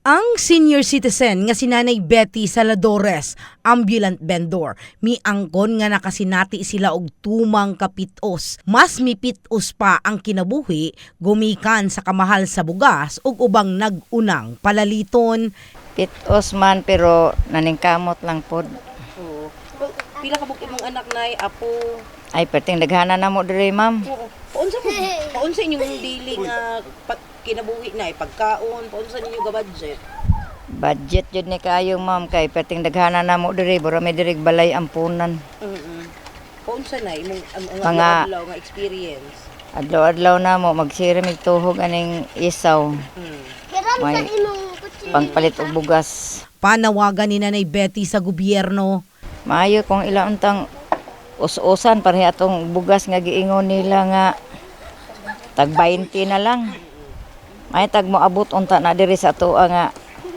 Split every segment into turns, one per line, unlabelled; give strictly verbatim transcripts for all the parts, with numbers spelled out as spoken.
Ang senior citizen nga si Nanay Betty Saladores, ambulant vendor, miangkon nga nakasinati sila og tumang kapitos. Mas mipitos pa ang kinabuhi gumikan sa kamahal sa bugas ug ubang nag-unang palaliton.
Pitos man pero naningkamot lang pod.
Oo. Pila ka bukid mong anak nay apo?
Ay perting daghana na mo diri ma'am.
Oo. Paunsa mo? Paunsa inyong daily nga pa, kinabuhi na pagkaon, paunsa ninyo ga budget?
Budget jud ni kayo ma'am kay perting daghana na mo diri bura may diri balay ampunan.
Mm. Paunsa na imong ang, ang
Mga
adlaw nga experience?
adlaw-adlaw na mo magsirimig tuhog aning isaw.
Mm.
May pangpalit og bugas.
Panawagan ni Nanay Betty sa gobyerno.
Maayo kung ila untang us-usan pareha atong bugas nga giingon nila nga tag twenty na lang. May tag mo abot unta na diri sa atoa nga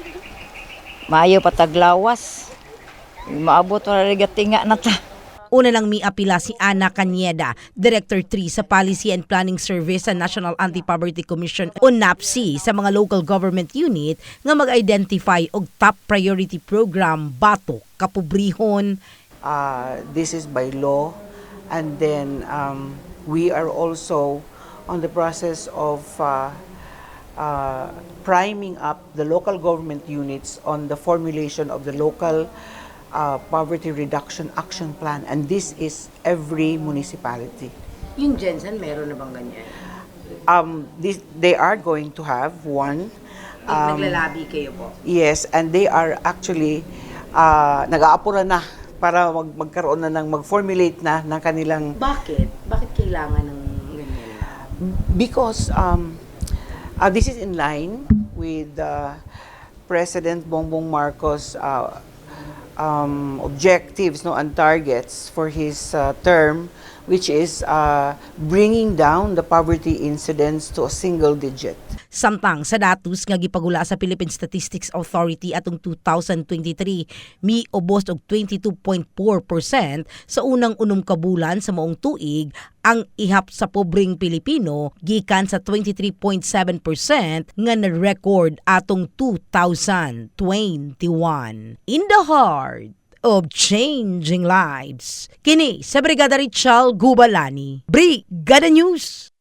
maayo pa taglawas. Maabot na rin gatinga na ta.
Una lang miapila si Ana Cañeda, Director three sa Policy and Planning Service sa National Anti-Poverty Commission o NAPSI sa mga local government unit nga mag-identify og top priority program batok kapobrihon.
Uh, this is by law, and then um, we are also on the process of uh, uh, priming up the local government units on the formulation of the local uh, poverty reduction action plan, and this is every municipality.
Yung Jensen, meron na bang ganyan?
Um, this, they are going to have one. Um,
Naglalabi kayo po?
yes, and they are actually uh, nag-aapura na para mag magkaroon na ng mag-formulate na ng kanilang.
Bakit? Bakit kailangan ng ganyan?
Because um, uh, this is in line with uh, President Bongbong Marcos' uh, um, objectives, no, and targets for his uh, term, which is uh, bringing down the poverty incidence to a single digit.
Samtang sa datos nga gipagula sa Philippine Statistics Authority atong two thousand twenty-three, miubos og twenty-two point four percent sa unang unom ka bulan sa maong tuig ang ihap sa pobreng Pilipino gikan sa twenty-three point seven percent nga na-record atong two thousand twenty-one. In the heart of changing lives. Kini sa Brigada Richal Gubalani, Brigada News.